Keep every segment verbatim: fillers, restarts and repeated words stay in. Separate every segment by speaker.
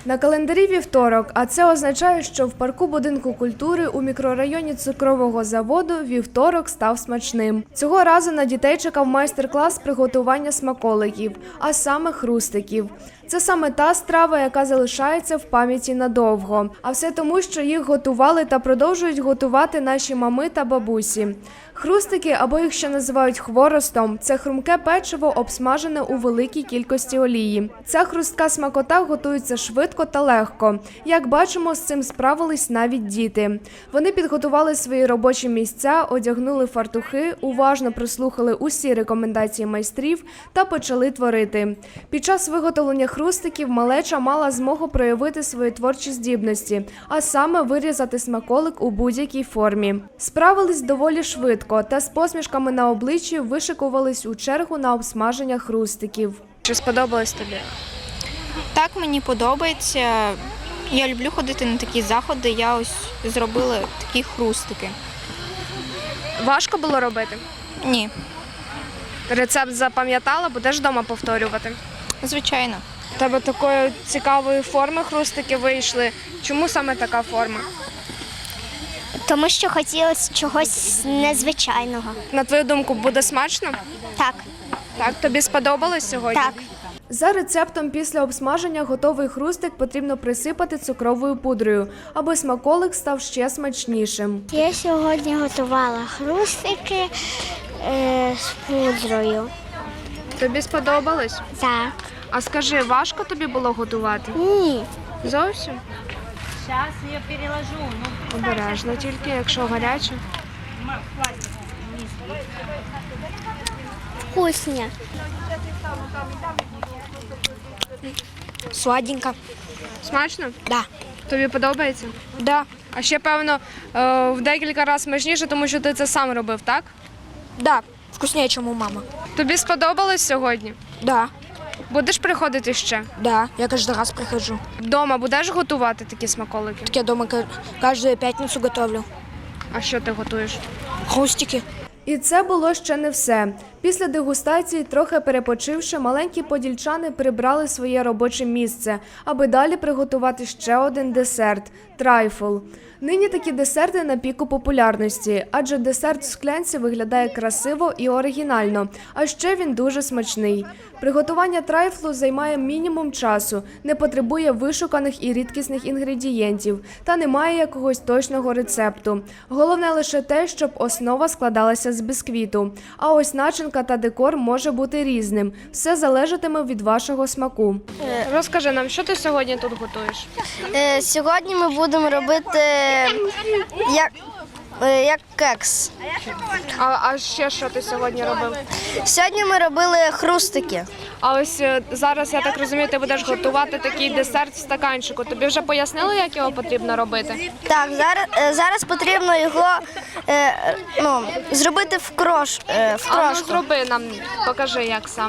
Speaker 1: На календарі вівторок, а це означає, що в парку будинку культури у мікрорайоні цукрового заводу вівторок став смачним. Цього разу на дітей чекав майстер-клас приготування смаколиків, а саме хрустиків. Це саме та страва, яка залишається в пам'яті надовго. А все тому, що їх готували та продовжують готувати наші мами та бабусі. Хрустики, або їх ще називають хворостом, це хрумке печиво, обсмажене у великій кількості олії. Ця хрустка смакота готується швидко та легко. Як бачимо, з цим справились навіть діти. Вони підготували свої робочі місця, одягнули фартухи, уважно прослухали усі рекомендації майстрів та почали творити. Під час виготовлення хрустиків малеча мала змогу проявити свої творчі здібності, а саме вирізати смаколик у будь-якій формі. Справились доволі швидко та з посмішками на обличчі вишикувались у чергу на обсмаження хрустиків. Чи сподобалось тобі?
Speaker 2: Так, мені подобається. Я люблю ходити на такі заходи, я ось зробила такі хрустики.
Speaker 1: Важко було робити?
Speaker 2: Ні.
Speaker 1: Рецепт запам'ятала, будеш вдома повторювати?
Speaker 2: Звичайно.
Speaker 1: У тебе такої цікавої форми хрустики вийшли. Чому саме така форма?
Speaker 3: Тому що хотілося чогось незвичайного.
Speaker 1: На твою думку, буде смачно?
Speaker 3: Так.
Speaker 1: Так, тобі сподобалось сьогодні?
Speaker 3: Так.
Speaker 1: За рецептом після обсмаження готовий хрустик потрібно присипати цукровою пудрою, аби смаколик став ще смачнішим.
Speaker 3: Я сьогодні готувала хрустики е, з пудрою.
Speaker 1: Тобі сподобалось?
Speaker 3: Так.
Speaker 1: А скажи, важко тобі було готувати?
Speaker 3: Ні.
Speaker 1: Зовсім?
Speaker 4: Сейчас я переложу. Ну,
Speaker 1: Обережно тільки, якщо гаряче.
Speaker 3: Вкусні.
Speaker 2: Сладенько.
Speaker 1: Смачно?
Speaker 2: Да.
Speaker 1: Тобі подобається?
Speaker 2: Да.
Speaker 1: А ще, певно, е, в декілька разів смачніше, тому що ти це сам робив, так?
Speaker 2: Да. Вкуснее, чем у мамы.
Speaker 1: Тобі сподобалось сьогодні?
Speaker 2: Да.
Speaker 1: Будеш приходити ще?
Speaker 2: Да. Я каждый раз прихожу.
Speaker 1: Вдома будеш готувати такі смаколики?
Speaker 2: Так я дома каждую пятницу готовлю.
Speaker 1: А що ти готуєш?
Speaker 2: Хрустики.
Speaker 1: І це було ще не все. Після дегустації, трохи перепочивши, маленькі подільчани прибрали своє робоче місце, аби далі приготувати ще один десерт – трайфл. Нині такі десерти на піку популярності, адже десерт в склянці виглядає красиво і оригінально, а ще він дуже смачний. Приготування трайфлу займає мінімум часу, не потребує вишуканих і рідкісних інгредієнтів та не має якогось точного рецепту. Головне лише те, щоб основа складалася з бісквіту. А ось начинка та декор може бути різним. Все залежатиме від вашого смаку. Розкажи нам, що ти сьогодні тут готуєш?
Speaker 3: Е, сьогодні ми будемо робити як, е, як кекс.
Speaker 1: А, а ще що ти сьогодні робив?
Speaker 3: Сьогодні ми робили хрустики.
Speaker 1: А ось е, зараз, я так розумію, ти будеш готувати такий десерт в стаканчику. Тобі вже пояснили, як його потрібно робити?
Speaker 3: Так, зараз, е, зараз потрібно його е, ну, зробити в, крош, е, в
Speaker 1: А ну
Speaker 3: крошку.
Speaker 1: зроби нам, покажи, як саме.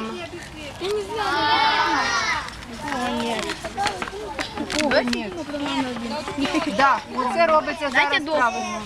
Speaker 4: да, це робиться зараз правильно.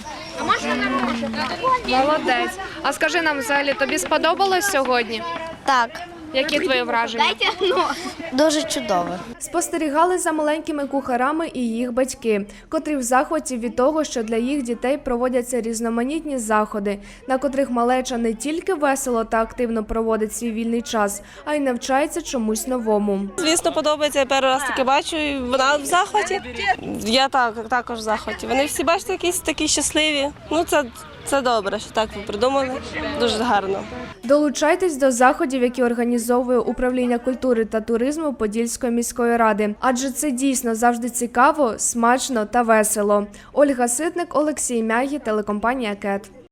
Speaker 1: Молодець. А скажи нам, взагалі, тобі сподобалось сьогодні?
Speaker 3: Так,
Speaker 1: Які твої враження?
Speaker 3: дуже чудово.
Speaker 1: Спостерігали за маленькими кухарами і їх батьки, котрі в захваті від того, що для їх дітей проводяться різноманітні заходи, на котрих малеча не тільки весело та активно проводить свій вільний час, а й навчається чомусь новому.
Speaker 5: Звісно, подобається. Я перший раз таке бачу, і вона в захваті. Я так, також в захваті. Вони всі, бачите, якісь такі щасливі. Ну, це, це добре, що так ви придумали. Дуже гарно.
Speaker 1: Долучайтесь до заходів, які організовує Управління культури та туризму Подільської міської ради. Адже це дійсно завжди цікаво, смачно та весело. Ольга Ситник, Олексій Мягі, телекомпанія «Кет».